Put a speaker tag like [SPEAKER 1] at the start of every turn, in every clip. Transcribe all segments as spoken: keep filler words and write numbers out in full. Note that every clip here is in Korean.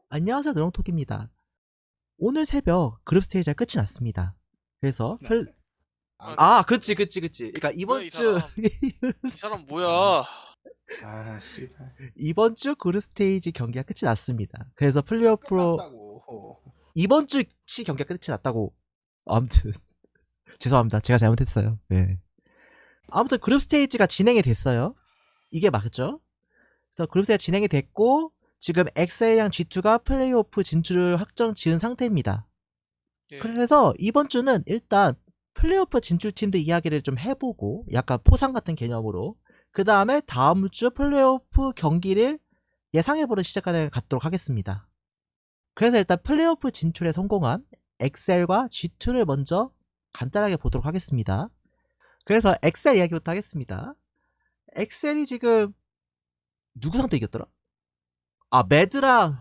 [SPEAKER 1] 안녕하세요, 노롱톡입니다. 오늘 새벽 그룹 스테이지가 끝이 났습니다. 그래서
[SPEAKER 2] 네.
[SPEAKER 1] 플...
[SPEAKER 2] 아,
[SPEAKER 1] 아, 그치, 그치, 그치. 그러니까
[SPEAKER 2] 뭐야
[SPEAKER 1] 이번
[SPEAKER 2] 이
[SPEAKER 1] 주
[SPEAKER 2] 사람. 이 사람
[SPEAKER 3] 아,
[SPEAKER 2] 뭐야.
[SPEAKER 3] 아, 씨발.
[SPEAKER 1] 이번 주 그룹 스테이지 경기가 끝이 났습니다. 그래서 플레이오프로
[SPEAKER 3] 끝났다고.
[SPEAKER 1] 이번 주치 경기가 끝이 났다고. 아무튼 죄송합니다. 제가 잘못했어요. 네. 아무튼 그룹 스테이지가 진행이 됐어요. 이게 맞죠? 그래서 그룹 스테이지가 진행이 됐고 지금 엑셀이랑 지투가 플레이오프 진출을 확정 지은 상태입니다.
[SPEAKER 2] 예.
[SPEAKER 1] 그래서 이번 주는 일단 플레이오프 진출팀들 이야기를 좀 해보고 약간 포상 같은 개념으로 그 다음에 다음 주 플레이오프 경기를 예상해보는 시간을 갖도록 하겠습니다. 그래서 일단 플레이오프 진출에 성공한 엑셀과 지투를 먼저 간단하게 보도록 하겠습니다. 그래서 엑셀 이야기부터 하겠습니다. 엑셀이 지금 누구 상대 이겼더라? 아, 매드랑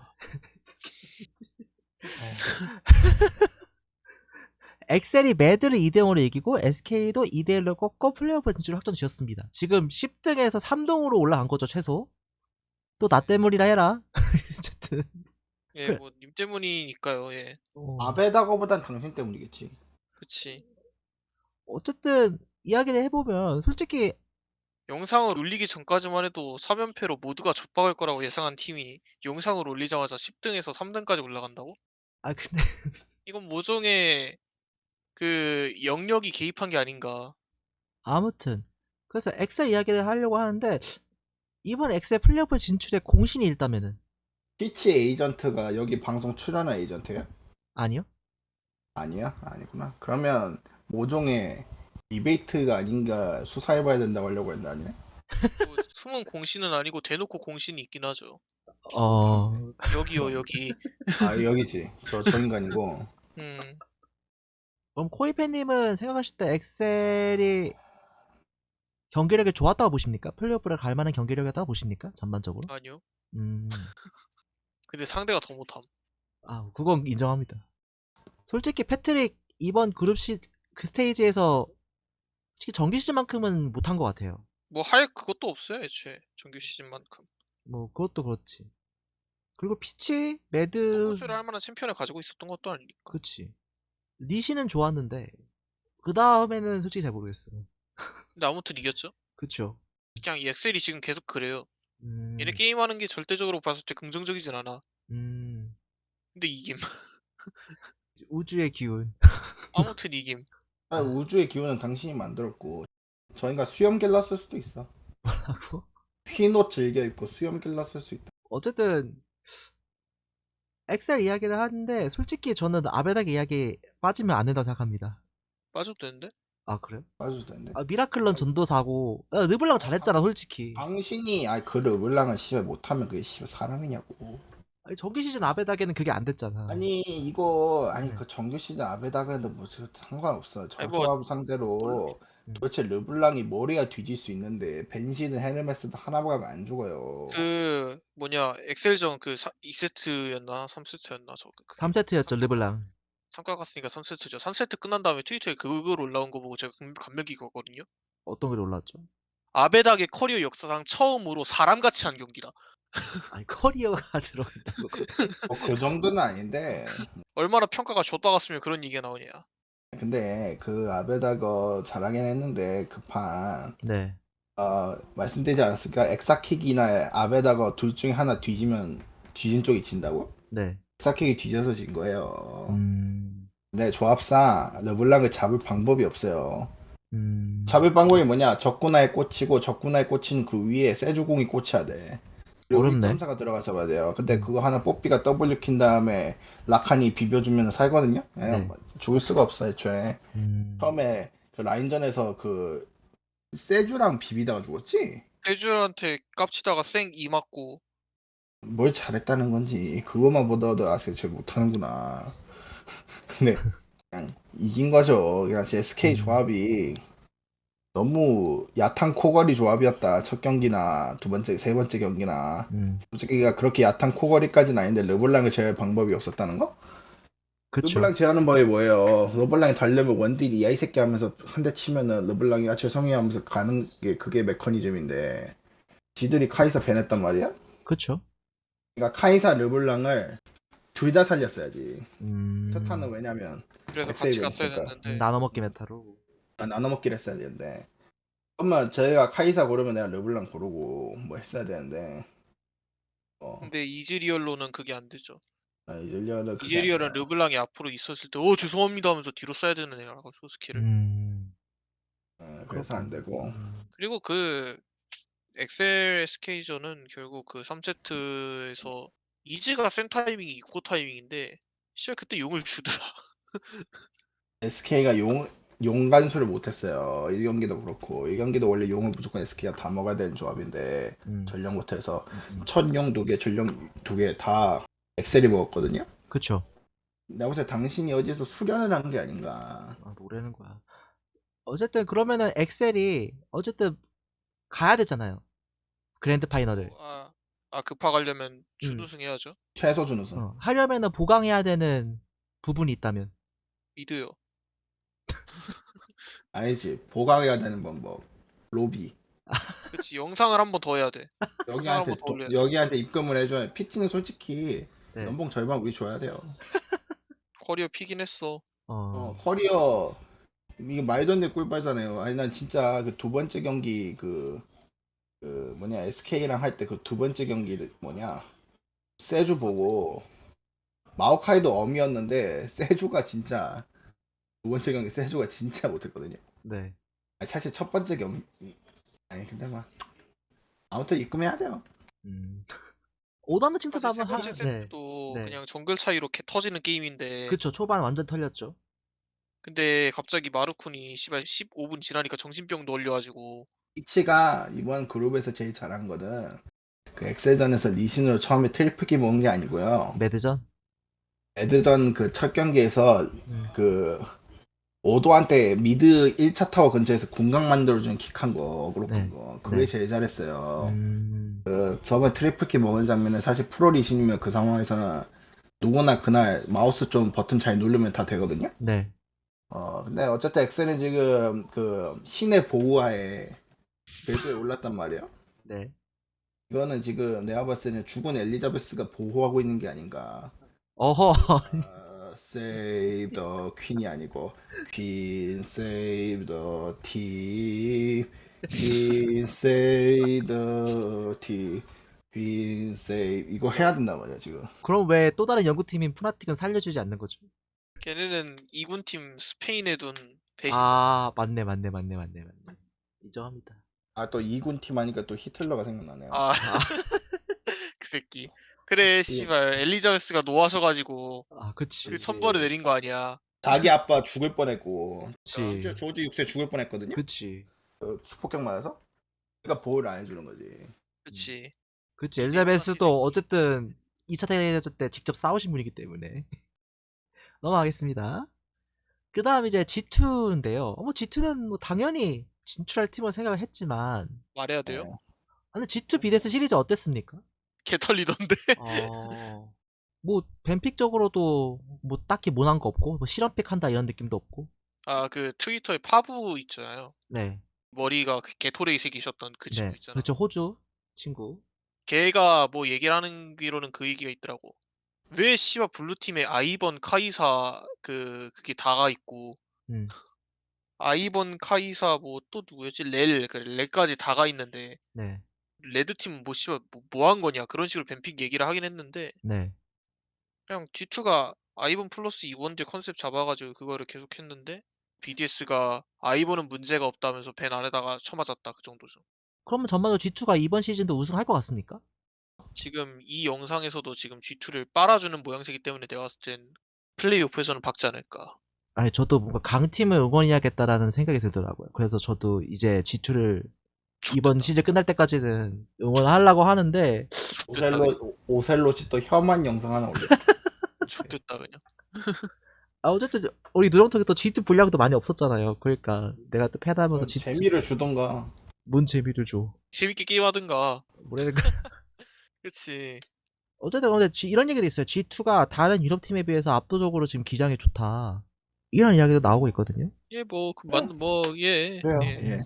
[SPEAKER 1] 엑셀이 매드를 이 대 영으로 이기고 에스케이도 이 대 일로 꺾고 플레이오프 진출을 확정 지었습니다. 지금 십 등에서 삼 등으로 올라간 거죠, 최소. 또 나 때문이라 해라. 어쨌든.
[SPEAKER 2] 예, 뭐 님 때문이니까요. 예.
[SPEAKER 1] 어,
[SPEAKER 3] 아베다거보단 당신 때문이겠지.
[SPEAKER 2] 그치.
[SPEAKER 1] 어쨌든 이야기를 해보면 솔직히
[SPEAKER 2] 영상을 올리기 전까지만 해도 삼 연패로 모두가 좆박을 거라고 예상한 팀이 영상을 올리자마자 십 등에서 삼 등까지 올라간다고?
[SPEAKER 1] 아 근데
[SPEAKER 2] 이건 모종의 그 영역이 개입한 게 아닌가.
[SPEAKER 1] 아무튼 그래서 엑셀 이야기를 하려고 하는데 이번 엑셀 플레이오프 진출의 공신이 있다면은
[SPEAKER 3] 피치 에이전트가 여기 방송 출연한 에이전트야?
[SPEAKER 1] 아니요?
[SPEAKER 3] 아니야? 아니구나. 그러면 모종의 디베이트가 아닌가 수사해봐야 된다고 하려고 했는데 아니네?
[SPEAKER 2] 뭐 숨은 공신은 아니고 대놓고 공신이 있긴 하죠.
[SPEAKER 1] 어...
[SPEAKER 2] 여기요, 여기.
[SPEAKER 3] 아, 여기지. 저, 저 인간이고.
[SPEAKER 2] 음,
[SPEAKER 1] 그럼 코이팬님은 생각하실 때 엑셀이 경기력이 좋았다고 보십니까? 플레이오프를 갈 만한 경기력이었다고 보십니까? 전반적으로?
[SPEAKER 2] 아니요.
[SPEAKER 1] 음...
[SPEAKER 2] 근데 상대가 더 못함.
[SPEAKER 1] 아, 그건 인정합니다. 솔직히 패트릭 이번 그룹 시, 그 스테이지에서 솔직히 정규 시즌만큼은 못한 것 같아요.
[SPEAKER 2] 뭐 할 그것도 없어요, 애초에. 정규 시즌만큼.
[SPEAKER 1] 뭐, 그것도 그렇지. 그리고 피치, 매드,
[SPEAKER 2] 승부수를 할 만한 챔피언을 가지고 있었던 것도 아니니까.
[SPEAKER 1] 그치. 리시는 좋았는데, 그 다음에는 솔직히 잘 모르겠어요.
[SPEAKER 2] 근데 아무튼 이겼죠.
[SPEAKER 1] 그쵸.
[SPEAKER 2] 그냥 이 엑셀이 지금 계속 그래요.
[SPEAKER 1] 음,
[SPEAKER 2] 얘네 게임하는 게 절대적으로 봤을 때 긍정적이진 않아.
[SPEAKER 1] 음,
[SPEAKER 2] 근데 이김.
[SPEAKER 1] 우주의 기운.
[SPEAKER 2] 아무튼 이김.
[SPEAKER 3] 아, 우주의 기운은 당신이 만들었고, 저희가 수염 길렀을 수도 있어.
[SPEAKER 1] 하고.
[SPEAKER 3] 흰옷 즐겨 입고 수염 길렀을 수 있다.
[SPEAKER 1] 어쨌든, 엑셀 이야기를 하는데, 솔직히 저는 아베닥 이야기 빠지면 안 된다고 생각합니다.
[SPEAKER 2] 빠져도 되는데?
[SPEAKER 1] 아, 그래요?
[SPEAKER 3] 빠져도 되는데.
[SPEAKER 1] 아, 미라클런 전도사고, 야, 르블랑 잘했잖아, 솔직히.
[SPEAKER 3] 당신이, 아이, 그 르블랑을 씨발 못하면 그게 씨발 사람이냐고.
[SPEAKER 1] 아니, 정규 시즌 아베닥에는 그게 안 됐잖아.
[SPEAKER 3] 아니 이거 아니
[SPEAKER 1] 네.
[SPEAKER 3] 그 정규 시즌 아베다가도 뭐 저- 상관없어.
[SPEAKER 2] 아니 뭐
[SPEAKER 3] 저조합 상대로
[SPEAKER 1] 음.
[SPEAKER 3] 도대체 르블랑이 머리가 뒤질 수 있는데 벤시든 헤르메스도 하나 가면 안 죽어요.
[SPEAKER 2] 그 뭐냐 엑셀전 그 이 세트였나 삼 세트였나 저 그- 그게
[SPEAKER 1] 삼 세트였죠, 르블랑.
[SPEAKER 2] 삼가 갔으니까 삼 세트죠. 삼 세트 끝난 다음에 트위터에 그걸 올라온 거 보고 제가 감- 감명 깊었거든요.
[SPEAKER 1] 어떤 글이 올랐죠?
[SPEAKER 2] 아베닥의 커리어 역사상 처음으로 사람같이 한 경기다.
[SPEAKER 1] 아니, 커리어가 들어간다고.
[SPEAKER 3] 뭐 그 정도는 아닌데
[SPEAKER 2] 얼마나 평가가 좆박았으면 그런 얘기가 나오냐.
[SPEAKER 3] 근데 그 아베다거 잘하긴 했는데 그 판
[SPEAKER 1] 네.
[SPEAKER 3] 어, 말씀드리지 않았을까? 엑사킥이나 아베다거 둘 중에 하나 뒤지면 뒤진 쪽이 진다고?
[SPEAKER 1] 네.
[SPEAKER 3] 엑사킥이 뒤져서 진 거예요.
[SPEAKER 1] 음.
[SPEAKER 3] 근데 조합상 르블랑을 잡을 방법이 없어요.
[SPEAKER 1] 음.
[SPEAKER 3] 잡을 방법이 뭐냐? 적군화에 꽂히고 적군화에 꽂힌 그 위에 세주공이 꽂혀야 돼. 그리고
[SPEAKER 1] 어렵네.
[SPEAKER 3] 일 점 사가 들어가 잡아야 돼요. 근데
[SPEAKER 1] 음.
[SPEAKER 3] 그거 하나 뽀삐가 W 킨 다음에 라칸이 비벼주면 살거든요? 예,
[SPEAKER 1] 네.
[SPEAKER 3] 뭐 죽을 수가 없어 애초에.
[SPEAKER 1] 음.
[SPEAKER 3] 처음에 그 라인전에서 그 세주랑 비비다가 죽었지?
[SPEAKER 2] 세주한테 깝치다가 쌩 이 맞고
[SPEAKER 3] 뭘 잘했다는 건지 그것만 보더라도 아직 잘 못하는구나. 근데 그냥 이긴 거죠. 그냥 에스케이
[SPEAKER 1] 음.
[SPEAKER 3] 조합이 너무 얕은 코걸이 조합이었다. 첫 경기나 두 번째, 세 번째 경기나.
[SPEAKER 1] 음.
[SPEAKER 3] 솔직히가 그렇게 얕은 코걸이까지는 아닌데 르블랑을 제할 방법이 없었다는 거?
[SPEAKER 1] 그쵸.
[SPEAKER 3] 르블랑 제하는 법이 뭐예요? 르블랑이 달려면 원딜이 야 이 새끼 하면서 한 대 치면은 르블랑이 아 죄송해요 하면서 가는 게 그게 메커니즘인데 지들이 카이사 배냈단 말이야?
[SPEAKER 1] 그쵸.
[SPEAKER 3] 그러니까 카이사 르블랑을 둘 다 살렸어야지.
[SPEAKER 1] 음.
[SPEAKER 3] 첫타는 왜냐면
[SPEAKER 2] 그래서
[SPEAKER 3] 엑셀이
[SPEAKER 2] 같이 갔어야
[SPEAKER 3] 되니까.
[SPEAKER 1] 음,
[SPEAKER 2] 됐는데
[SPEAKER 1] 나눠 먹기 메타로.
[SPEAKER 3] 아, 나눠 먹기를 했어야 되는데. 엄마 저희가 카이사 고르면 내가 르블랑 고르고 뭐 했어야 되는데. 어,
[SPEAKER 2] 근데 이즈리얼로는 그게 안 되죠.
[SPEAKER 3] 아, 이즈리얼은 그게
[SPEAKER 2] 이즈리얼은
[SPEAKER 3] 아니라.
[SPEAKER 2] 르블랑이 앞으로 있었을 때 어 죄송합니다 하면서 뒤로 써야 되는 애라고 스킬을.
[SPEAKER 1] 음.
[SPEAKER 3] 어, 그래서 안
[SPEAKER 1] 그렇군.
[SPEAKER 3] 되고.
[SPEAKER 1] 음.
[SPEAKER 2] 그리고 그 엑셀 에스케이전은 결국 그 삼 세트에서 이즈가 센 타이밍이 이코 타이밍인데 씨발 그때 용을 주더라.
[SPEAKER 3] 에스케이가 용, 용 간수를 못했어요. 일 경기도 그렇고. 일 경기도 원래 용을 무조건 에스케이가 다 먹어야 되는 조합인데,
[SPEAKER 1] 음.
[SPEAKER 3] 전령 못해서.
[SPEAKER 1] 음, 음.
[SPEAKER 3] 첫 용 두 개, 전령 두 개 다 엑셀이 먹었거든요?
[SPEAKER 1] 그쵸.
[SPEAKER 3] 내가 볼때 당신이 어디서 수련을 한 게 아닌가.
[SPEAKER 1] 아, 뭐라는 거야. 어쨌든 그러면은 엑셀이 어쨌든 가야 되잖아요. 그랜드 파이널을.
[SPEAKER 2] 아, 아 급파 가려면
[SPEAKER 1] 음.
[SPEAKER 2] 준우승 해야죠.
[SPEAKER 3] 최소 준우승.
[SPEAKER 1] 어, 하려면은 보강해야 되는 부분이 있다면.
[SPEAKER 2] 미드요.
[SPEAKER 3] 아니지. 보강해야 되는 방법. 로비.
[SPEAKER 2] 그치 영상을 한 번 더 해야 돼. 영상을 한 번
[SPEAKER 3] 여기한테,
[SPEAKER 2] 더
[SPEAKER 3] 도-
[SPEAKER 2] 올려야 돼.
[SPEAKER 3] 여기한테 입금을 해줘야, 피치는 솔직히,
[SPEAKER 1] 네.
[SPEAKER 3] 연봉 절반 우리 줘야 돼요.
[SPEAKER 2] 커리어 피긴 했어.
[SPEAKER 3] 어,
[SPEAKER 1] 어.
[SPEAKER 3] 커리어, 이게 말도 안 되는 꿀빨잖아요. 아니, 난 진짜 그 두 번째 경기 그, 그 뭐냐, 에스케이랑 할 때 그 두 번째 경기 뭐냐, 세주 보고, 마오카이도 엄이었는데, 세주가 진짜, 두 번째 경기 세주가 진짜 못했거든요.
[SPEAKER 1] 네.
[SPEAKER 3] 아니, 사실 첫 번째 경기, 아니, 근데 막, 아무튼 입금해야 돼요.
[SPEAKER 1] 음. 오더는 칭찬
[SPEAKER 2] 사실 세
[SPEAKER 1] 한번 하.
[SPEAKER 2] 번째
[SPEAKER 1] 네.
[SPEAKER 2] 세트도
[SPEAKER 1] 네.
[SPEAKER 2] 그냥 정글 차이로 개 터지는 게임인데
[SPEAKER 1] 그쵸. 초반 완전 털렸죠.
[SPEAKER 2] 근데 갑자기 마르쿤이 씨발 십오 분 지나니까 정신병도 걸려가지고
[SPEAKER 3] 피치가 이번 그룹에서 제일 잘한 거는, 그 엑셀전에서 리신으로 처음에 트리플기 모은 게 아니고요.
[SPEAKER 1] 매드전.
[SPEAKER 3] 에드전 그 첫 경기에서
[SPEAKER 1] 음.
[SPEAKER 3] 그 오도한테 미드 일 차 타워 근처에서 궁각 만들어주는 킥한 거, 어그로
[SPEAKER 1] 네.
[SPEAKER 3] 끈 거. 그게
[SPEAKER 1] 네.
[SPEAKER 3] 제일 잘했어요.
[SPEAKER 1] 음.
[SPEAKER 3] 그 저번 트리플킥 먹은 장면은 사실 프로 리신이면 그 상황에서는 누구나 그날 마우스 좀 버튼 잘 누르면 다 되거든요.
[SPEAKER 1] 네.
[SPEAKER 3] 어 근데 어쨌든 엑셀은 지금 그 신의 보호하에 궤도에 올랐단 말이에요.
[SPEAKER 1] 네.
[SPEAKER 3] 이거는 지금 내가 봤을 때는 죽은 엘리자베스가 보호하고 있는 게 아닌가.
[SPEAKER 1] 어허.
[SPEAKER 3] 아, save the queen이 아니고 queen save the team, queen save the team, queen save 이거 해야 된단 말이야 지금.
[SPEAKER 1] 그럼 왜 또 다른 연구팀인 푸나틱은 살려주지 않는 거죠?
[SPEAKER 2] 걔네는 이 군팀 스페인에 둔 배신자.
[SPEAKER 1] 아, 맞네, 맞네, 맞네, 맞네, 맞네. 인정합니다.
[SPEAKER 3] 아 또 이군 팀 하니까 또 히틀러가 생각나네요.
[SPEAKER 2] 아,
[SPEAKER 1] 아,
[SPEAKER 2] 그 새끼. 그래, 씨발 엘리자베스가 노하셔가지고
[SPEAKER 1] 아, 그치.
[SPEAKER 2] 그 천벌을 내린 거 아니야.
[SPEAKER 3] 자기 아빠 죽을 뻔했고
[SPEAKER 1] 그치.
[SPEAKER 3] 심지어 조지 육 세 죽을 뻔했거든요.
[SPEAKER 1] 그치.
[SPEAKER 3] 그 수폭격 맞아서. 그러니까 보호를 안 해주는 거지.
[SPEAKER 2] 그치.
[SPEAKER 1] 그치.
[SPEAKER 2] 이게 워낙
[SPEAKER 1] 엘자베스도
[SPEAKER 2] 새끼.
[SPEAKER 1] 어쨌든 이 차 대전 때 직접 싸우신 분이기 때문에. 넘어가겠습니다. 그 다음 이제 지투인데요. 뭐 지투는 뭐 당연히 진출할 팀을 생각을 했지만,
[SPEAKER 2] 말해야 돼요?
[SPEAKER 3] 네.
[SPEAKER 1] 아, 근데 지투 비데스 시리즈 어땠습니까?
[SPEAKER 2] 개 털리던데.
[SPEAKER 1] 어, 뭐 뱀픽적으로도 뭐 딱히 모난 거 없고, 뭐 실험픽 한다 이런 느낌도 없고.
[SPEAKER 2] 아, 그 트위터에 파부 있잖아요.
[SPEAKER 1] 네,
[SPEAKER 2] 머리가 그 개토레이 새끼셨던 그 친구
[SPEAKER 1] 네,
[SPEAKER 2] 있잖아.
[SPEAKER 1] 그렇죠. 호주 친구.
[SPEAKER 2] 걔가 뭐 얘기를 하는 기로는 그 얘기가 있더라고. 왜 씨발 블루팀에 아이번, 카이사 그 그게 다가 있고
[SPEAKER 1] 음,
[SPEAKER 2] 아이번, 카이사 뭐 또 누구였지? 렐, 그 렐까지 다가 있는데
[SPEAKER 1] 네,
[SPEAKER 2] 레드팀은 뭐 씨발 뭐, 뭐 한 거냐 그런 식으로 뱀픽 얘기를 하긴 했는데
[SPEAKER 1] 네.
[SPEAKER 2] 그냥 지투가 아이번 플러스 이원제 컨셉 잡아가지고 그거를 계속 했는데 비디에스가 아이번은 문제가 없다면서 벤 안에다가 쳐맞았다 그 정도죠.
[SPEAKER 1] 그러면 전반적으로 지투가 이번 시즌도 우승할 것 같습니까?
[SPEAKER 2] 지금 이 영상에서도 지금 지투를 빨아주는 모양새이기 때문에 내가 봤을 땐 플레이오프에서는 박지 않을까.
[SPEAKER 1] 아니, 저도 뭔가 강팀을 응원해야겠다라는 생각이 들더라고요. 그래서 저도 이제 지투를 이번 시즌 끝날 때까지는 응원하려고 하는데,
[SPEAKER 2] 좋됐다 그냥.
[SPEAKER 3] 오셀로 오셀롯이 또 혐한 영상 하나 올렸.
[SPEAKER 2] 좋됐다 그냥.
[SPEAKER 1] 아, 어쨌든 우리 누렁통에 또 지투 분량도 많이 없었잖아요. 그러니까 내가 또 패드하면서
[SPEAKER 3] 좀
[SPEAKER 1] 지투
[SPEAKER 3] 재미를 주던가.
[SPEAKER 1] 뭔 재미를 줘.
[SPEAKER 2] 재밌게 게임하든가.
[SPEAKER 1] 뭐라니까.
[SPEAKER 2] 그치.
[SPEAKER 1] 어쨌든 근데 G- 이런 얘기도 있어요. 지투가 다른 유럽 팀에 비해서 압도적으로 지금 기량이 좋다. 이런 이야기도 나오고 있거든요.
[SPEAKER 2] 예, 뭐, 그, 맞, 뭐, 예.
[SPEAKER 3] 그래요.
[SPEAKER 2] 예.
[SPEAKER 3] 예.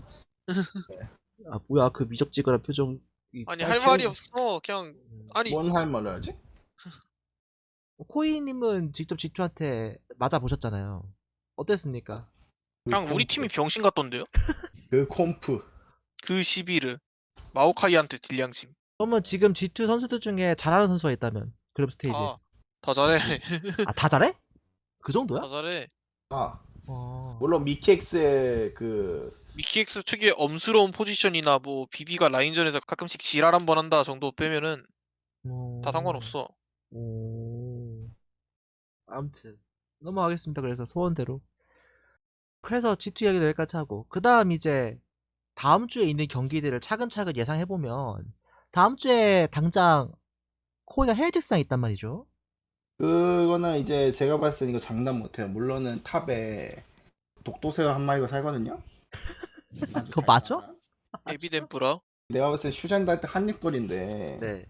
[SPEAKER 1] 아, 뭐야 그 미적지근한 표정.
[SPEAKER 2] 아니,
[SPEAKER 3] 아,
[SPEAKER 2] 할
[SPEAKER 3] 지금-
[SPEAKER 2] 말이 없어. 그냥, 아니,
[SPEAKER 3] 뭔 할 말을 하지?
[SPEAKER 1] 코이님은 직접 지투한테 맞아 보셨잖아요. 어땠습니까?
[SPEAKER 3] 그
[SPEAKER 2] 그냥 우리
[SPEAKER 3] 콤프,
[SPEAKER 2] 팀이 병신 같던데요?
[SPEAKER 3] 그 콤프.
[SPEAKER 2] 그 시비를 마오카이한테 딜량심.
[SPEAKER 1] 그러면 지금 지투 선수들 중에 잘하는 선수가 있다면 그룹 스테이지에서.
[SPEAKER 2] 다, 다 잘해.
[SPEAKER 1] 아, 다 잘해? 그 정도야?
[SPEAKER 2] 다 잘해.
[SPEAKER 3] 아,
[SPEAKER 1] 어.
[SPEAKER 3] 물론 미키엑스의 그
[SPEAKER 2] 미키엑스 특유의 엄스러운 포지션이나 뭐 비비가 라인전에서 가끔씩 지랄 한 번 한다 정도 빼면은
[SPEAKER 1] 어...
[SPEAKER 2] 다 상관없어.
[SPEAKER 1] 오... 아무튼 넘어가겠습니다. 그래서 소원대로. 그래서 지투 이야기도 여기까지 하고 그 다음 이제 다음 주에 있는 경기들을 차근차근 예상해보면 다음 주에 당장 코이가 헤이직스랑 있단 말이죠.
[SPEAKER 3] 그거는 이제 제가 봤을 때 이거 장난 못해요. 물론은 탑에 독도새우 한 마리가 살거든요. 아주
[SPEAKER 1] 그거 맞아?
[SPEAKER 3] 달달한.
[SPEAKER 2] 에비덴프라.
[SPEAKER 3] 내가 봤을 때 슈잔드 할 때 한입거리인데
[SPEAKER 1] 네.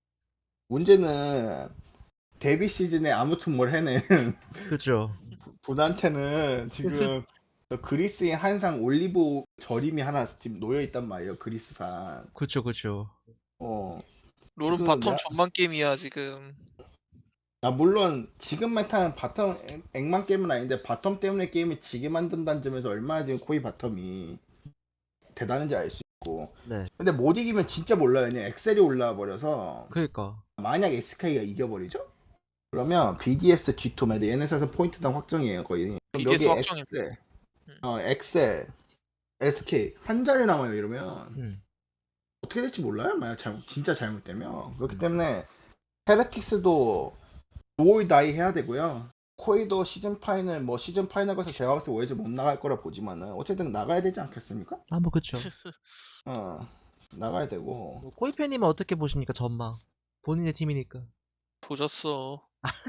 [SPEAKER 3] 문제는 데뷔 시즌에 아무튼 뭘 해낸
[SPEAKER 1] 그죠.
[SPEAKER 3] 분한테는 지금 저 그리스인 한상 올리브 절임이 하나 지금 놓여 있단 말이에요. 그리스산.
[SPEAKER 1] 그쵸, 그쵸.
[SPEAKER 3] 어.
[SPEAKER 2] 롤은
[SPEAKER 3] 지금
[SPEAKER 2] 바텀
[SPEAKER 3] 내가
[SPEAKER 2] 전만 게임이야 지금.
[SPEAKER 3] 아 물론 지금만 타는 바텀 액- 액만 게임은 아닌데 바텀 때문에 게임을 지게 만든다는 점에서 얼마나 지금 코이 바텀이 대단한지 알 수 있고.
[SPEAKER 1] 네.
[SPEAKER 3] 근데 못 이기면 진짜 몰라요. 그냥 엑셀이 올라와 버려서
[SPEAKER 1] 그니까.
[SPEAKER 3] 만약 에스케이가 이겨버리죠? 그러면 비디에스 지 투 매드 얘네에서 포인트당 확정이에요 거의. 그럼
[SPEAKER 2] 비디에스
[SPEAKER 3] 여기
[SPEAKER 2] 확정입니다.
[SPEAKER 3] 엑셀,
[SPEAKER 2] 음.
[SPEAKER 3] 어 엑셀, 에스케이 한 자리 남아요 이러면
[SPEAKER 1] 음.
[SPEAKER 3] 어떻게 될지 몰라요. 만약 잘못 진짜 잘못되면. 그렇기
[SPEAKER 1] 음.
[SPEAKER 3] 때문에 헤레틱스도 노올 다이 해야 되고요. 코이도 시즌 파이널 뭐 시즌 파이널 가서 제가 봤을 때 월즈 못 나갈 거라 보지만은 어쨌든 나가야 되지 않겠습니까?
[SPEAKER 1] 아, 뭐 그쵸.
[SPEAKER 3] 어 나가야 되고.
[SPEAKER 1] 뭐 코이 팬님은 어떻게 보십니까, 전망? 본인의 팀이니까.
[SPEAKER 2] 조졌어.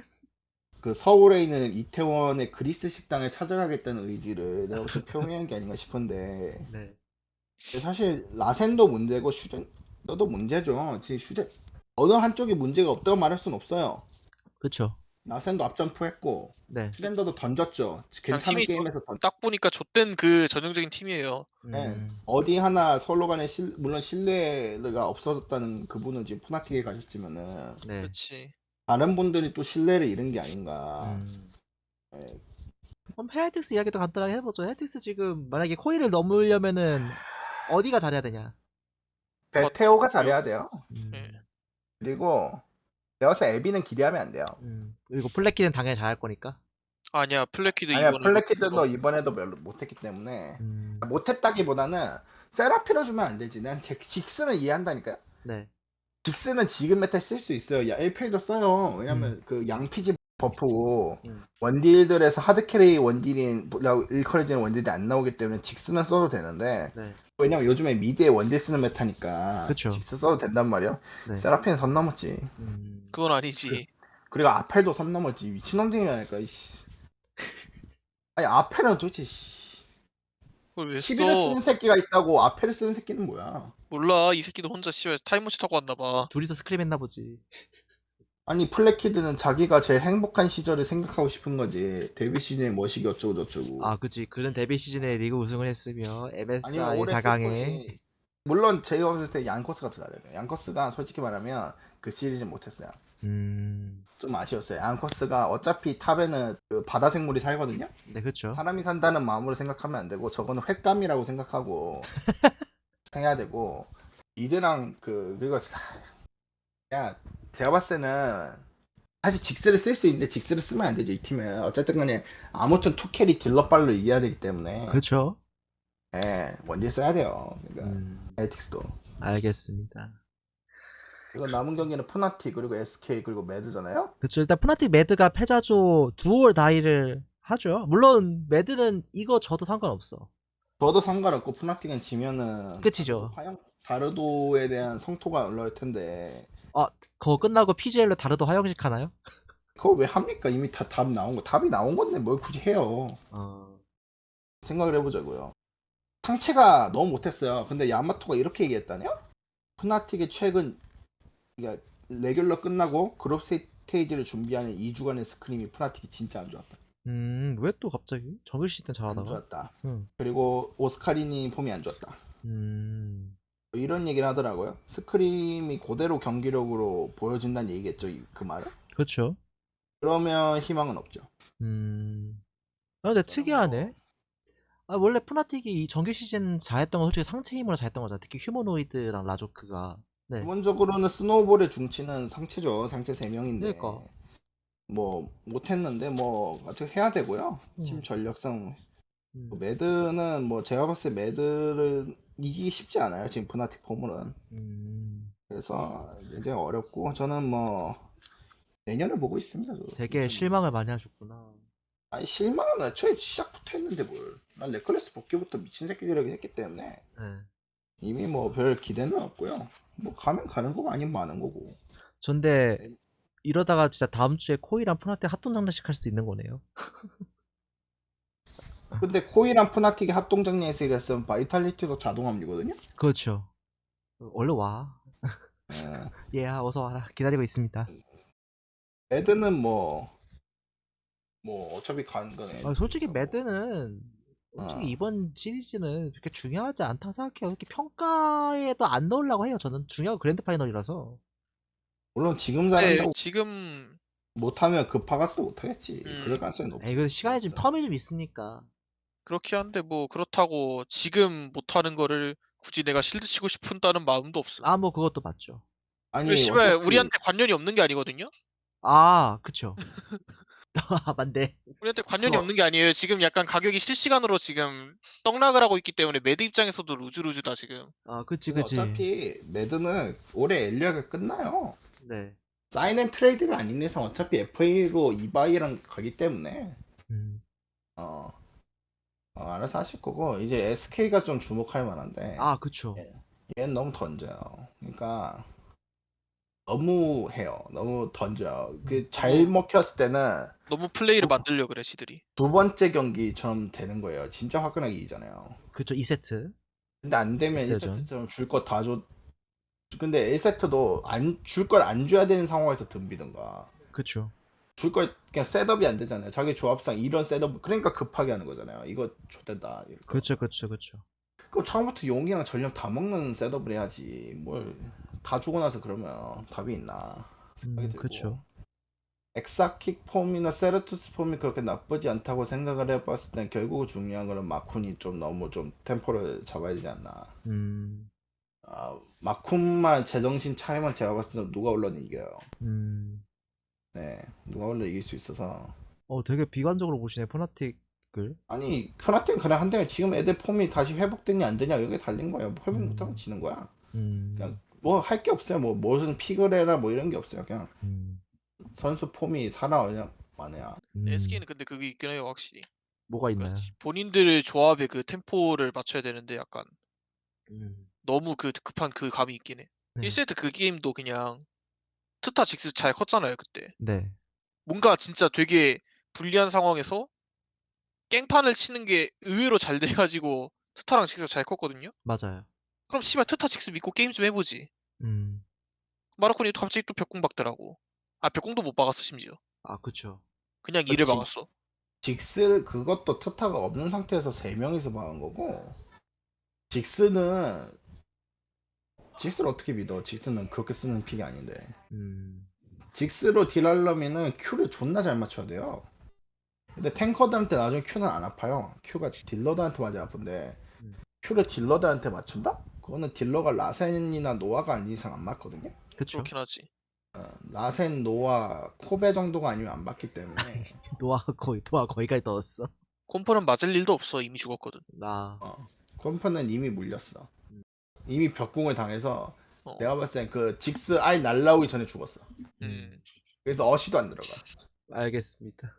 [SPEAKER 3] 그 서울에 있는 이태원의 그리스 식당을 찾아가겠다는 의지를 내가 볼때 표명한 게 아닌가 싶은데
[SPEAKER 1] 네.
[SPEAKER 3] 사실 라센도 문제고 슈젠도 문제죠. 지금 슈젠 어느 한쪽이 문제가 없다고 말할 순 없어요.
[SPEAKER 1] 그쵸.
[SPEAKER 3] 라센도 앞점프했고
[SPEAKER 1] 네.
[SPEAKER 3] 슈젠더도 던졌죠.
[SPEAKER 2] 그냥
[SPEAKER 3] 괜찮은
[SPEAKER 2] 팀이 조-
[SPEAKER 3] 게임에서 던.
[SPEAKER 2] 딱 보니까 좆된 그 전형적인 팀이에요.
[SPEAKER 3] 예.
[SPEAKER 1] 음.
[SPEAKER 3] 어디 하나 서로 간에 실, 물론 신뢰가 없어졌다는 그분은 지금 푸나틱에 가셨지만은
[SPEAKER 1] 네.
[SPEAKER 2] 그렇지.
[SPEAKER 3] 다른 분들이 또 신뢰를 잃은 게 아닌가.
[SPEAKER 1] 음.
[SPEAKER 3] 예.
[SPEAKER 1] 그럼 헤이틱스 이야기도 간단하게 해보죠. 헤이틱스 지금 만약에 코이를 넘으려면은 어디가 잘해야 되냐?
[SPEAKER 3] 베테오가 잘해야 돼요.
[SPEAKER 1] 음.
[SPEAKER 2] 예.
[SPEAKER 3] 그리고 내가 봤을 때 에비는 기대하면 안 돼요.
[SPEAKER 1] 음. 그리고 플래키는 당연히 잘할 거니까.
[SPEAKER 2] 아니야 플래키드
[SPEAKER 3] 아니야
[SPEAKER 2] 이번에
[SPEAKER 3] 플래키드도
[SPEAKER 2] 못
[SPEAKER 3] 이번에도 별로 못했기 때문에
[SPEAKER 1] 음.
[SPEAKER 3] 못했다기보다는 세라피로 주면 안 되지. 난 제, 직스는 이해한다니까요.
[SPEAKER 1] 네.
[SPEAKER 3] 직스는 지금 메타에 쓸 수 있어요. 야 일 필도 써요. 왜냐면 그 양피지 버프고
[SPEAKER 1] 음.
[SPEAKER 3] 원딜들에서 하드캐리 원딜이라고 일컬어지는 원딜이 안 나오기 때문에 직스는 써도 되는데
[SPEAKER 1] 네.
[SPEAKER 3] 왜냐면 요즘에 미드에 원딜 쓰는 메타니까
[SPEAKER 1] 그쵸.
[SPEAKER 3] 직스 써도 된단 말이야.
[SPEAKER 1] 네.
[SPEAKER 3] 세라핀은 선 넘었지.
[SPEAKER 1] 음.
[SPEAKER 2] 그건 아니지.
[SPEAKER 3] 그리고 아펠도 선 넘었지. 미친놈들이라니까. 이씨. 아니 아펠은 도대체 씨.
[SPEAKER 2] 그걸 왜
[SPEAKER 3] 시비를
[SPEAKER 2] 써?
[SPEAKER 3] 쓰는 새끼가 있다고 아펠을 쓰는 새끼는 뭐야?
[SPEAKER 2] 몰라 이 새끼도 혼자 씨발 타임머치 타고 왔나 봐.
[SPEAKER 1] 둘이서 스크림 했나 보지.
[SPEAKER 3] 아니 플래키드는 자기가 제일 행복한 시절을 생각하고 싶은 거지. 데뷔 시즌에 뭐시기 어쩌고 저쩌고.
[SPEAKER 1] 아, 그치. 그는 데뷔 시즌에 리그 우승을 했으며
[SPEAKER 3] 아니면
[SPEAKER 1] 엠에스아이
[SPEAKER 3] 올해
[SPEAKER 1] 사 강에
[SPEAKER 3] 슬퍼지. 물론 제가 봤을 때 양커스가 더 잘해요. 양커스가 솔직히 말하면 그 시리즈 못했어요.
[SPEAKER 1] 음.
[SPEAKER 3] 좀 아쉬웠어요. 양커스가 어차피 탑에는 그 바다 생물이 살거든요.
[SPEAKER 1] 네, 그쵸.
[SPEAKER 3] 사람이 산다는 마음으로 생각하면 안 되고 저거는 횟감이라고 생각하고 해야 되고 이드랑 그 그리고 사- 야 제가 봤을 때는 사실 직스를 쓸 수 있는데 직스를 쓰면 안 되죠 이 팀은. 어쨌든 간에 아무튼 투캐리 딜러빨로 이겨야 되기 때문에
[SPEAKER 1] 그쵸.
[SPEAKER 3] 예 원딜 써야 돼요. 그러니까
[SPEAKER 1] 음.
[SPEAKER 3] 에틱스도.
[SPEAKER 1] 알겠습니다.
[SPEAKER 3] 이건 남은 경기는 푸나티 그리고 에스케이 그리고 매드잖아요.
[SPEAKER 1] 그쵸. 일단 푸나틱 매드가 패자조 두올 다이를 하죠. 물론 매드는 이거 져도 상관없어.
[SPEAKER 3] 저도 상관없고 푸나틱은 지면은
[SPEAKER 1] 끝이죠.
[SPEAKER 3] 화영 다르도에 대한 성토가 올라올 텐데
[SPEAKER 1] 아, 그거 끝나고 피지엘로 다르도 화영식 하나요?
[SPEAKER 3] 그걸 왜 합니까? 이미 다 답 나온 거 답이 나온 건데 뭘 굳이 해요.
[SPEAKER 1] 어.
[SPEAKER 3] 생각을 해보자고요. 상체가 너무 못했어요. 근데 야마토가 이렇게 얘기했다네요? 푸나틱의 최근 그러니까 레귤러 끝나고 그룹 스테이지를 준비하는 이 주간의 스크림이 푸나틱이 진짜 안 좋았다.
[SPEAKER 1] 음, 왜 또 갑자기? 정글 시즌
[SPEAKER 3] 안
[SPEAKER 1] 잘하다가?
[SPEAKER 3] 좋았다.
[SPEAKER 1] 응.
[SPEAKER 3] 그리고 오스카리니 폼이 안 좋았다.
[SPEAKER 1] 음.
[SPEAKER 3] 뭐 이런 얘기를 하더라고요. 스크림이 그대로 경기력으로 보여진다는 얘기겠죠, 이- 그 말은?
[SPEAKER 1] 그렇죠.
[SPEAKER 3] 그러면 희망은 없죠.
[SPEAKER 1] 음. 아, 근데
[SPEAKER 3] 저는
[SPEAKER 1] 특이하네.
[SPEAKER 3] 뭐
[SPEAKER 1] 아, 원래 푸나틱이 이 정규 시즌 잘했던 건 솔직히 상체 힘으로 잘했던 거잖아. 특히 휴머노이드랑 라조크가. 네.
[SPEAKER 3] 기본적으로는 스노우볼의 중치는 상체죠. 상체 세
[SPEAKER 1] 그러니까.
[SPEAKER 3] 명인데 뭐 못했는데 뭐 아직 해야 되고요. 팀
[SPEAKER 1] 음.
[SPEAKER 3] 전력상
[SPEAKER 1] 음.
[SPEAKER 3] 매드는 뭐 제가 봤을 때 매드를 이기기 쉽지 않아요. 지금 푸나틱 폼은.
[SPEAKER 1] 음.
[SPEAKER 3] 그래서 굉장히 어렵고 저는 뭐 내년을 보고 있습니다. 저도.
[SPEAKER 1] 되게
[SPEAKER 3] 내년.
[SPEAKER 1] 실망을 많이 하셨구나.
[SPEAKER 3] 아니 실망은 애초에 시작부터 했는데 뭘. 난 레클레스 복귀부터 미친 새끼들에게 했기 때문에
[SPEAKER 1] 네.
[SPEAKER 3] 이미 뭐 별 기대는 없고요. 뭐 가면 가는 거고 아니면 마는 거고.
[SPEAKER 1] 전데 이러다가 진짜 다음 주에 코이랑 푸나틱 핫돈 장난식 할 수 있는 거네요.
[SPEAKER 3] 근데 코이랑 푸나틱이 합동정리에서 이랬으면 바이탈리티도 자동 합류거든요.
[SPEAKER 1] 그렇죠. 얼른 와.
[SPEAKER 3] 예.
[SPEAKER 1] 얘야, 어서 와라. 기다리고 있습니다.
[SPEAKER 3] 매드는 뭐, 뭐, 어차피 가는 건
[SPEAKER 1] 아, 솔직히
[SPEAKER 3] 애들이니까 뭐.
[SPEAKER 1] 매드는 솔직히
[SPEAKER 3] 어.
[SPEAKER 1] 이번 시리즈는 그렇게 중요하지 않다고 생각해요. 이렇게 평가에도 안 넣으려고 해요. 저는 중요한 그랜드 파이널이라서.
[SPEAKER 3] 물론 지금
[SPEAKER 2] 네,
[SPEAKER 3] 잘한다고
[SPEAKER 2] 지금
[SPEAKER 3] 못하면 급파가서도 못하겠지.
[SPEAKER 2] 음,
[SPEAKER 3] 그럴 가능성이
[SPEAKER 1] 에이,
[SPEAKER 3] 높지.
[SPEAKER 1] 그 시간이 좀
[SPEAKER 3] 그래서.
[SPEAKER 1] 텀이 좀 있으니까.
[SPEAKER 2] 그렇게 한데 뭐 그렇다고 지금 못하는 거를 굳이 내가 실드 치고 싶은다는 마음도 없음.
[SPEAKER 1] 아, 뭐 그것도 맞죠.
[SPEAKER 2] 그
[SPEAKER 3] 아니,
[SPEAKER 2] 씨발
[SPEAKER 3] 어차피,
[SPEAKER 2] 우리한테 관련이 없는 게 아니거든요.
[SPEAKER 1] 아, 그쵸. 아, 맞네.
[SPEAKER 2] 우리한테 관련이
[SPEAKER 3] 그거,
[SPEAKER 2] 없는 게 아니에요. 지금 약간 가격이 실시간으로 지금 떡락을 하고 있기 때문에 매드 입장에서도 루즈루즈다 지금.
[SPEAKER 1] 아, 그치,
[SPEAKER 3] 근데
[SPEAKER 1] 그치.
[SPEAKER 3] 어차피 매드는 올해 엘리아가 끝나요.
[SPEAKER 1] 네.
[SPEAKER 3] 사인 앤 트레이드가 아닌 이상 어차피 에프에이로 이바이랑 가기 때문에,
[SPEAKER 1] 음.
[SPEAKER 3] 어, 어, 알아서 하실 거고, 이제 에스케이가 좀 주목할 만한데,
[SPEAKER 1] 아, 그쵸.
[SPEAKER 3] 예. 얘는 너무 던져요. 그러니까 너무 해요. 너무 던져요.
[SPEAKER 1] 음.
[SPEAKER 3] 그 잘
[SPEAKER 2] 너무
[SPEAKER 3] 먹혔을 때는
[SPEAKER 2] 너무 플레이를
[SPEAKER 3] 두,
[SPEAKER 2] 만들려 그래 시들이.
[SPEAKER 3] 두 번째 경기처럼 되는 거예요. 진짜 화끈하게 이기잖아요.
[SPEAKER 1] 그쵸, 이 세트.
[SPEAKER 3] 근데 안 되면
[SPEAKER 1] 엑스전.
[SPEAKER 3] 일 세트처럼 줄 거 다 줘. 근데 일 세트도 안, 줄 걸 안 줘야 되는 상황에서 덤비든가.
[SPEAKER 1] 그쵸.
[SPEAKER 3] 줄 걸 그냥 셋업이 안 되잖아요. 자기 조합상 이런 셋업, 그러니까 급하게 하는 거잖아요. 이거 좋된다. 이럴 거.
[SPEAKER 1] 그쵸, 그쵸, 그쵸.
[SPEAKER 3] 그럼 처음부터 용이랑 전력 다 먹는 셋업을 해야지. 뭘 다 주고 나서 그러면 답이 있나 생각이
[SPEAKER 1] 음,
[SPEAKER 3] 들고.
[SPEAKER 1] 그쵸.
[SPEAKER 3] 엑사킥 폼이나 세르투스 폼이 그렇게 나쁘지 않다고 생각을 해봤을 땐 결국 중요한 거는 마쿤이 좀 너무 좀 템포를 잡아야 되지 않나.
[SPEAKER 1] 음.
[SPEAKER 3] 아, 마쿤만 제정신 차리면 제가 봤을 때 누가 올라도 이겨요.
[SPEAKER 1] 음.
[SPEAKER 3] 네, 누가 올라 이길 수 있어서.
[SPEAKER 1] 어, 되게 비관적으로 보시네, 포나틱을.
[SPEAKER 3] 아니, 크나팀 그냥 한 대면 지금 애들 폼이 다시 회복되냐 안 되냐 여기에 달린 거예요. 뭐 회복 못하면
[SPEAKER 1] 음.
[SPEAKER 3] 지는 거야. 그냥
[SPEAKER 1] 음.
[SPEAKER 3] 뭐 할 게 없어요. 뭐 무슨 픽을 해라 뭐 이런 게 없어요. 그냥
[SPEAKER 1] 음.
[SPEAKER 3] 선수 폼이 살아오냐 마냐.
[SPEAKER 1] 음.
[SPEAKER 2] 에스케이는 근데 그게 있긴 해요 확실히.
[SPEAKER 1] 뭐가
[SPEAKER 2] 그러니까
[SPEAKER 1] 있나요?
[SPEAKER 2] 본인들 조합의 그 템포를 맞춰야 되는데 약간
[SPEAKER 1] 음.
[SPEAKER 2] 너무 그 급한 그 감이 있긴 해.
[SPEAKER 1] 네.
[SPEAKER 2] 일 세트 그 게임도 그냥 트타 직스 잘 컸잖아요 그때.
[SPEAKER 1] 네.
[SPEAKER 2] 뭔가 진짜 되게 불리한 상황에서 깽판을 치는 게 의외로 잘 돼가지고 트타랑 직스 잘 컸거든요.
[SPEAKER 1] 맞아요.
[SPEAKER 2] 그럼 씨발 트타 직스 믿고 게임 좀 해보지.
[SPEAKER 1] 음.
[SPEAKER 2] 마르코니 갑자기 또 벽공 박더라고. 아 벽공도 못 박았어 심지어.
[SPEAKER 1] 아, 그쵸.
[SPEAKER 2] 그냥
[SPEAKER 3] 그
[SPEAKER 2] 이를
[SPEAKER 3] 직,
[SPEAKER 2] 박았어.
[SPEAKER 3] 직스 그것도 트타가 없는 상태에서 세 명이서 막은 거고 직스는 직스를 어떻게 믿어? 직스는 그렇게 쓰는 픽이 아닌데.
[SPEAKER 1] 음.
[SPEAKER 3] 직스로 딜하려면은 Q를 존나 잘 맞춰야 돼요. 근데 탱커들한테 나중에 Q는 안 아파요. Q가 딜러들한테 맞아 아픈데
[SPEAKER 1] 음.
[SPEAKER 3] Q를 딜러들한테 맞춘다? 그거는 딜러가 라센이나 노아가 아닌 이상 안 맞거든요.
[SPEAKER 1] 그쵸.
[SPEAKER 2] 그렇긴 하지.
[SPEAKER 3] 어, 라센, 노아, 코베 정도가 아니면 안 맞기 때문에
[SPEAKER 1] 노아가 거의, 노아 거기까지 넣었어.
[SPEAKER 2] 콤포는 맞을 일도 없어 이미 죽었거든.
[SPEAKER 1] 나.
[SPEAKER 3] 어, 컴퍼는 이미 물렸어.
[SPEAKER 1] 음.
[SPEAKER 3] 이미 벽공을 당해서
[SPEAKER 2] 어.
[SPEAKER 3] 내가 봤을 땐 그 직스 아예 날라오기 전에 죽었어.
[SPEAKER 1] 음.
[SPEAKER 2] 음.
[SPEAKER 3] 그래서 어시도 안 들어가.
[SPEAKER 1] 알겠습니다.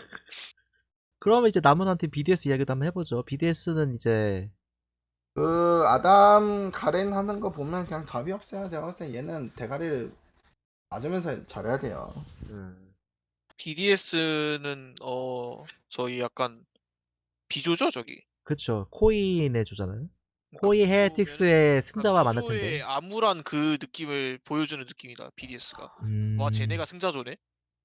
[SPEAKER 1] 그러면 이제 남은한테 비디에스 이야기도 한번 해보죠. 비디에스는 이제
[SPEAKER 3] 그 아담 가렌 하는 거 보면 그냥 답이 없어요. 제가 봤을 때 얘는 대가리를 맞으면서 잘해야 돼요.
[SPEAKER 1] 음.
[SPEAKER 2] 비디에스는 어 저희 약간 비조죠 저기.
[SPEAKER 1] 그쵸. 코인의 조잖아요.
[SPEAKER 2] 그러니까
[SPEAKER 1] 코이
[SPEAKER 2] 비조면은
[SPEAKER 1] 헤어틱스의
[SPEAKER 2] 약간
[SPEAKER 1] 승자와 만날 텐데.
[SPEAKER 2] 비조의 암울한 그 느낌을 보여주는 느낌이다 비디에스가. 와
[SPEAKER 1] 음.
[SPEAKER 2] 쟤네가 승자조네.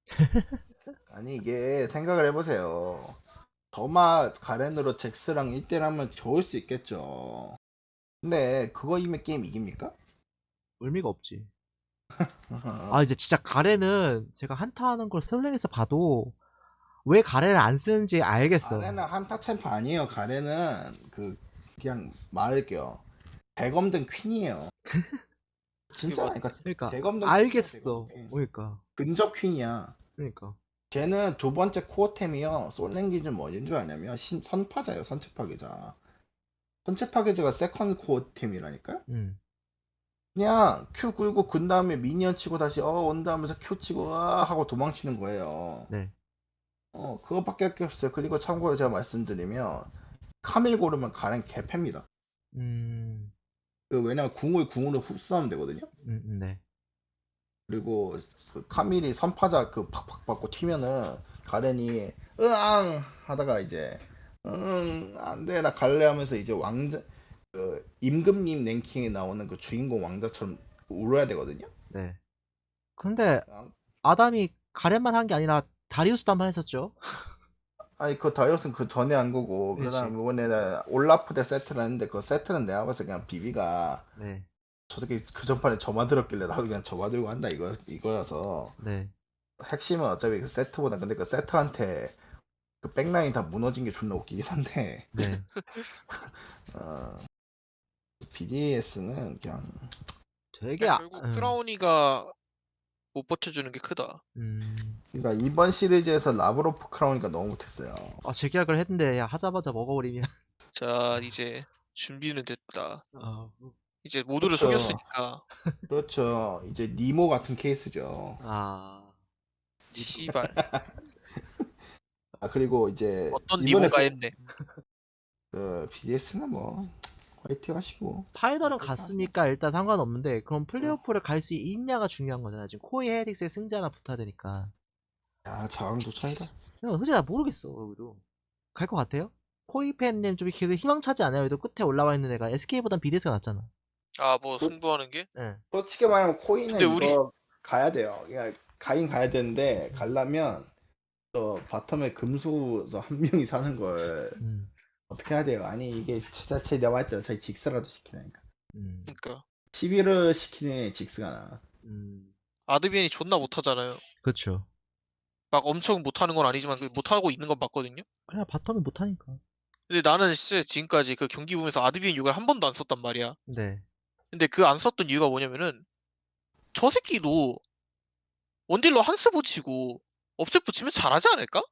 [SPEAKER 3] 아니 이게 생각을 해보세요. 더마 가렌으로 잭스랑 일 대 일 하면 좋을 수 있겠죠. 근데 그거 이면 게임 이깁니까?
[SPEAKER 1] 의미가 없지. 아 이제 진짜 가래는 제가 한타 하는 걸 솔랭에서 봐도 왜 가래를 안 쓰는지 알겠어.
[SPEAKER 3] 가래는 한타 챔프 아니에요. 가래는 그 그냥 말할게요. 백엄든 퀸이에요.
[SPEAKER 2] 그게 뭐
[SPEAKER 3] 진짜라니까.
[SPEAKER 1] 그러니까
[SPEAKER 3] 백엄든 퀸이야,
[SPEAKER 1] 알겠어.
[SPEAKER 3] 백엄든 퀸.
[SPEAKER 1] 그러니까
[SPEAKER 3] 근접 퀸이야.
[SPEAKER 1] 그러니까
[SPEAKER 3] 쟤는 두 번째 코어템이요. 솔랭 기준 뭐인 줄 아냐면 신, 선파자예요. 선체 파괴자. 선체 파괴자가 세컨 코어템이라니까요.
[SPEAKER 1] 음
[SPEAKER 3] 그냥 Q 굴고 근 다음에 미니언 치고 다시 어 온다 하면서 Q 치고 아 하고 도망치는 거예요.
[SPEAKER 1] 네.
[SPEAKER 3] 어 그거밖에 할게 없어요. 그리고 참고로 제가 말씀드리면 카밀 고르면 가랭 개패입니다.
[SPEAKER 1] 음,
[SPEAKER 3] 그 왜냐면 궁을 궁으로 흡수하면 되거든요.
[SPEAKER 1] 음, 음, 네.
[SPEAKER 3] 그리고 그 카밀이 선파자 그 팍팍 받고 튀면은 가렌이 으앙 하다가 이제 응 안돼 나 갈래 하면서 이제 왕자 그 임금님 랭킹에 나오는 그 주인공 왕자처럼 울어야 되거든요.
[SPEAKER 1] 네. 근데
[SPEAKER 3] 아,
[SPEAKER 1] 아담이 가래만 한 게 아니라 다리우스도 한 번 했었죠.
[SPEAKER 3] 아니 그 다이어스는 그 전에 한 거고
[SPEAKER 1] 그렇지.
[SPEAKER 3] 그다음 이번에 나 올라프 대 세트를 했는데 그 세트는 내가 봐서 그냥 비비가
[SPEAKER 1] 네.
[SPEAKER 3] 저 새끼 그 전판에 저만 들었길래 나도 그냥 저만 들고 한다 이거 이거라서
[SPEAKER 1] 네.
[SPEAKER 3] 핵심은 어차피 그 세트보다 근데 그 세트한테 그 백라인 다 무너진 게 존나 웃기긴 한데
[SPEAKER 1] 네.
[SPEAKER 3] 어, 비디에스는 그냥
[SPEAKER 1] 되게
[SPEAKER 2] 그냥
[SPEAKER 1] 아,
[SPEAKER 2] 결국
[SPEAKER 1] 음,
[SPEAKER 2] 크라우니가 못 버텨주는 게 크다.
[SPEAKER 1] 음.
[SPEAKER 3] 그러니까 이번 시리즈에서 라브로프 크라우니까 너무 못했어요.
[SPEAKER 1] 아, 재계약을 했는데 야 하자마자 먹어버리면
[SPEAKER 2] 자, 이제 준비는 됐다.
[SPEAKER 1] 어,
[SPEAKER 2] 이제 모두를
[SPEAKER 3] 그렇죠.
[SPEAKER 2] 속였으니까
[SPEAKER 3] 그렇죠. 이제 니모 같은 케이스죠.
[SPEAKER 1] 아,
[SPEAKER 2] 씨발
[SPEAKER 3] 아 그리고 이제
[SPEAKER 2] 어떤
[SPEAKER 3] 이번에
[SPEAKER 2] 니모가
[SPEAKER 3] 그,
[SPEAKER 2] 했네.
[SPEAKER 3] 그 비디에스는 뭐 화이팅 하시고
[SPEAKER 1] 파이널은
[SPEAKER 3] 화이팅 하세요.
[SPEAKER 1] 갔으니까 일단 상관없는데 그럼
[SPEAKER 3] 어.
[SPEAKER 1] 플레이오프를 갈 수 있냐가 중요한 거잖아. 지금 코이 헤릭스의 승자나 붙어야 되니까.
[SPEAKER 3] 야 자강도 차이다.
[SPEAKER 1] 그냥 솔직히 나 모르겠어. 여기도 갈 것 같아요? 코이 팬님 좀 이렇게 희망차지 않아요? 그래도 끝에 올라와 있는 애가 에스케이보단 비디에스가 낫잖아.
[SPEAKER 2] 아, 뭐
[SPEAKER 3] 그,
[SPEAKER 2] 승부하는 게?
[SPEAKER 1] 예.
[SPEAKER 3] 솔직히 말하면
[SPEAKER 2] 근데
[SPEAKER 3] 코인은
[SPEAKER 2] 우리
[SPEAKER 3] 이거 가야 돼요. 그냥 가긴 가야 되는데 가려면 저 바텀에 금수 저 한 명이 사는 걸
[SPEAKER 1] 음,
[SPEAKER 3] 어떻게 해야 돼요? 아니 이게 진짜 제 내가 말했잖아. 자기 직스라도 시키라니까.
[SPEAKER 1] 음,
[SPEAKER 2] 그러니까
[SPEAKER 3] 시비를 시키는 직스가 나.
[SPEAKER 1] 음.
[SPEAKER 2] 아드비엔이 존나 못하잖아요.
[SPEAKER 1] 그렇죠.
[SPEAKER 2] 막 엄청 못하는 건 아니지만 그 못하고 있는 건 맞거든요.
[SPEAKER 1] 그냥 바텀이 못하니까.
[SPEAKER 2] 근데 나는 진짜 지금까지 그 경기 보면서 아드비엔 욕을 한 번도 안 썼단 말이야.
[SPEAKER 1] 네.
[SPEAKER 2] 근데 그 안 썼던 이유가 뭐냐면은 저 새끼도 원딜로 한스 붙이고 업셋 붙이면 잘하지 않을까?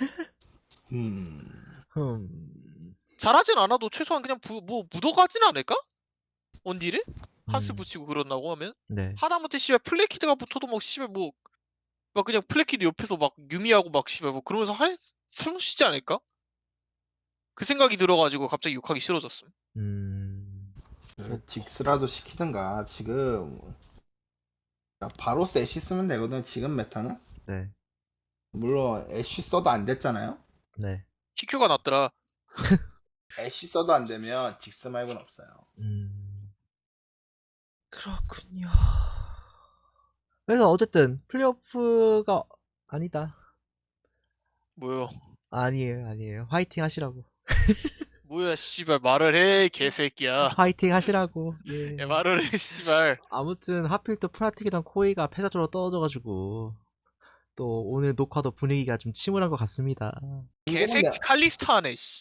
[SPEAKER 3] 음.
[SPEAKER 1] 흠.
[SPEAKER 2] 잘하진 않아도 최소한 그냥 부, 뭐 묻어가진 않을까? 원딜에? 한스
[SPEAKER 1] 음.
[SPEAKER 2] 붙이고 그런다고 하면?
[SPEAKER 1] 네.
[SPEAKER 2] 하다못해 씨발 플래키드가 붙어도 막 씨발 뭐 막 그냥 플래키드 옆에서 막 유미하고 막 씨발 뭐 그러면서 할 살수있지 않을까? 그 생각이 들어가지고 갑자기 욕하기 싫어졌음.
[SPEAKER 1] 음.
[SPEAKER 3] 그 직스라도 시키든가 지금 야, 바로 애쉬 쓰면 되거든. 지금 메타는.
[SPEAKER 1] 네.
[SPEAKER 3] 물론 애쉬 써도 안 됐잖아요.
[SPEAKER 1] 네.
[SPEAKER 2] 티큐가 낫더라.
[SPEAKER 3] 애쉬 써도 안 되면 직스 말고는 없어요.
[SPEAKER 1] 음. 그렇군요. 그래서 어쨌든 플레이오프가 아니다.
[SPEAKER 2] 뭐요?
[SPEAKER 1] 아니에요, 아니에요. 화이팅 하시라고.
[SPEAKER 2] 뭐야 씨발 말을 해 개새끼야.
[SPEAKER 1] 화이팅 하시라고. 예.
[SPEAKER 2] 야, 말을 해 씨발.
[SPEAKER 1] 아무튼 하필 또 프라틱이랑 코이가 패자조로 떨어져가지고 또 오늘 녹화도 분위기가 좀 침울한 것 같습니다.
[SPEAKER 3] 궁금한 게
[SPEAKER 2] 개새끼 칼리스타 하네 씨.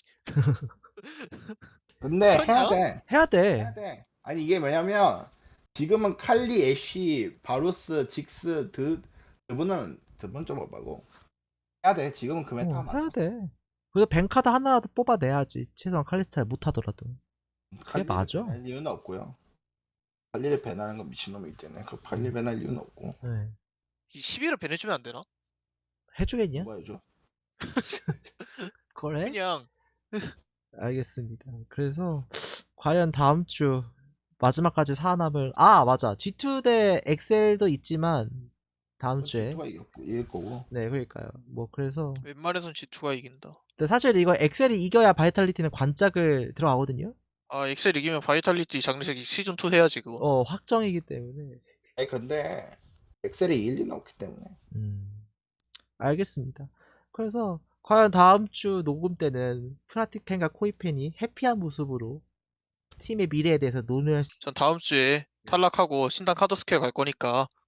[SPEAKER 3] 근데 해야
[SPEAKER 2] 미쳤냐?
[SPEAKER 3] 돼.
[SPEAKER 1] 해야 돼.
[SPEAKER 3] 해야 돼. 아니 이게 뭐냐면 지금은 칼리, 애쉬, 바루스, 직스, 드 드분은 드분 좀 오바고 해야 돼. 지금은 그 메타가
[SPEAKER 1] 어, 해야
[SPEAKER 3] 맞아.
[SPEAKER 1] 돼. 그래서 뱅카드 하나라도 뽑아내야지. 최소한 칼리스타 못하더라도. 그게
[SPEAKER 3] 칼리를
[SPEAKER 1] 맞아.
[SPEAKER 3] 배날 이유는 없고요. 칼리를 배나는 건 미친놈이기 때문에 그 칼리
[SPEAKER 1] 음.
[SPEAKER 3] 배날 이유는 없고
[SPEAKER 1] 네.
[SPEAKER 2] 이 십일을 배내주면 안 되나?
[SPEAKER 1] 해주겠냐?
[SPEAKER 3] 누가 해줘?
[SPEAKER 1] 그래?
[SPEAKER 2] 그냥
[SPEAKER 1] 알겠습니다. 그래서 과연 다음 주 마지막까지 살아남을 아 맞아 지 투 대 엑셀도 있지만 다음 주에
[SPEAKER 3] 지투가 이겼고 이길 거고.
[SPEAKER 1] 네 그러니까요. 뭐 그래서
[SPEAKER 2] 웬만해선 지투가 이긴다.
[SPEAKER 1] 근데 사실 이거 엑셀이 이겨야 바이탈리티는 관짝을 들어가거든요.
[SPEAKER 2] 아 엑셀 이기면 바이탈리티 장례식 시즌 투 해야지 그거.
[SPEAKER 1] 어 확정이기 때문에
[SPEAKER 3] 아니 근데 엑셀이 이길 리는 없기 때문에.
[SPEAKER 1] 음 알겠습니다. 그래서 과연 다음 주 녹음 때는 프나틱 팬과 코이 팬이 해피한 모습으로 팀의 미래에 대해서 논의할 수...
[SPEAKER 2] 전 다음 주에 탈락하고 신당 카드스퀘어 갈 거니까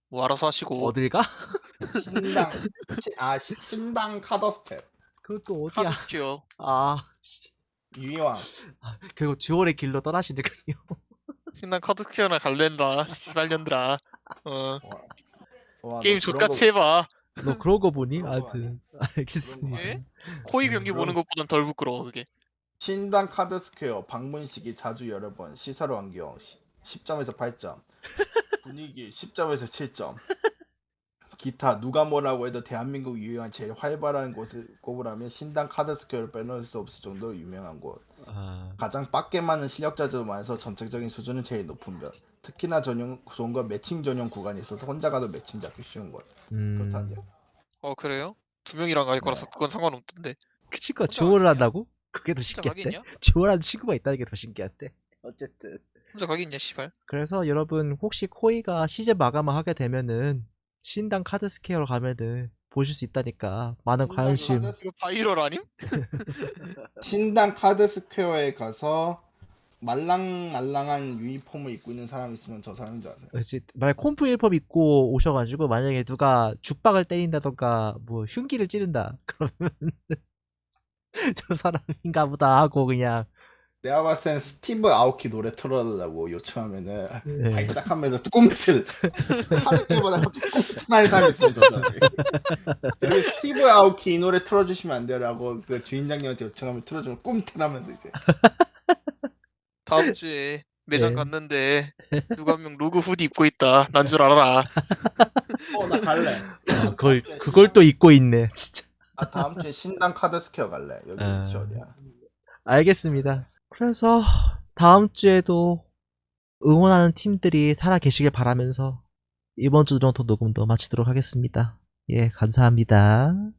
[SPEAKER 2] 뭐 알아서 하시고.
[SPEAKER 1] 어딜 가?
[SPEAKER 3] 신당 시- 아 시- 신당 카더스텝
[SPEAKER 1] 그것도 어디야?
[SPEAKER 2] 카드스퀘어.
[SPEAKER 1] 아, 씨.
[SPEAKER 3] 유이왕.
[SPEAKER 1] 아, 결국 듀얼의 길로 떠나시는군요.
[SPEAKER 2] 신난 카드스퀘어나 갈랜다. 씨발년들아. 어.
[SPEAKER 3] 와, 와,
[SPEAKER 2] 게임
[SPEAKER 3] 너 그런
[SPEAKER 2] 족같이
[SPEAKER 3] 거-
[SPEAKER 2] 해봐.
[SPEAKER 1] 너 그런 거 보니?
[SPEAKER 3] 그런 거
[SPEAKER 1] 하여튼 알겠습니다.
[SPEAKER 2] 예? 코이 경기
[SPEAKER 3] 그럼-
[SPEAKER 2] 보는 것보단 덜 부끄러워 그게.
[SPEAKER 3] 신당 카드스퀘어 방문 시기 자주 여러 번 시설 환경 십 점에서 팔 점 분위기 십 점에서 칠 점 기타 누가 뭐라고 해도 대한민국 유일한 제일 활발한 곳을 꼽으라면 신당 카드스퀘어를 빼놓을 수 없을 정도로 유명한 곳.
[SPEAKER 1] 아,
[SPEAKER 3] 가장 빡게 많은 실력자들도 많아서 전체적인 수준은 제일 높은 편. 특히나 전용 좋은 건 매칭 전용 구간이 있어서 혼자 가도 매칭 잡기 쉬운 곳.
[SPEAKER 1] 음,
[SPEAKER 3] 그렇다네요.
[SPEAKER 2] 어 그래요? 두 명이랑 갈
[SPEAKER 3] 네.
[SPEAKER 2] 거라서 그건 상관없던데.
[SPEAKER 1] 그 친구가
[SPEAKER 2] 혼자
[SPEAKER 1] 듀얼을
[SPEAKER 2] 가겠냐?
[SPEAKER 1] 한다고? 그게 더
[SPEAKER 2] 혼자
[SPEAKER 1] 신기한데?
[SPEAKER 2] 가겠냐?
[SPEAKER 1] 듀얼하는 친구가 있다는 게 더 신기한데? 어쨌든.
[SPEAKER 2] 혼자 가겠냐 씨발.
[SPEAKER 1] 그래서 여러분 혹시 코이가 시즌 마감을 하게 되면은 신당 카드 스퀘어로 가면은 보실 수 있다니까 많은
[SPEAKER 3] 신당
[SPEAKER 1] 관심.
[SPEAKER 3] 카드-
[SPEAKER 2] 이거 바이럴 아님?
[SPEAKER 3] 신당 카드스퀘어에 가서 말랑말랑한 유니폼을 입고 있는 사람 있으면 저 사람인 줄 아세요?
[SPEAKER 1] 그렇지. 만약 콤프 일법 입고 오셔가지고 만약에 누가 죽박을 때린다던가 뭐 흉기를 찌른다 그러면 저 사람인가 보다 하고 그냥
[SPEAKER 3] 내가 봤을 땐 스티브 아오키 노래 틀어달라고 요청하면은
[SPEAKER 1] 예.
[SPEAKER 3] 발작하면서 꿈틀 하늘 때마다 갑자기 꿈틀하는 사람이 있으면 저 사람이 여기 스티브 아오키 이 노래 틀어주시면 안 돼요라고 그 주인장님한테 요청하면 틀어주면 꿈틀하면서 이제
[SPEAKER 2] 다음 주에 매장
[SPEAKER 1] 네.
[SPEAKER 2] 갔는데 누가 한 명 로그 후디 입고 있다. 난 줄 알아라.
[SPEAKER 3] 어 나 갈래.
[SPEAKER 1] 아, 그걸 그걸 또 입고 있네 진짜.
[SPEAKER 3] 아 다음 주에 신당 카드스퀘어 갈래. 여기
[SPEAKER 1] 아.
[SPEAKER 3] 위치 어디야?
[SPEAKER 1] 알겠습니다. 그래서 다음 주에도 응원하는 팀들이 살아 계시길 바라면서 이번 주 정도 녹음도 마치도록 하겠습니다. 예, 감사합니다.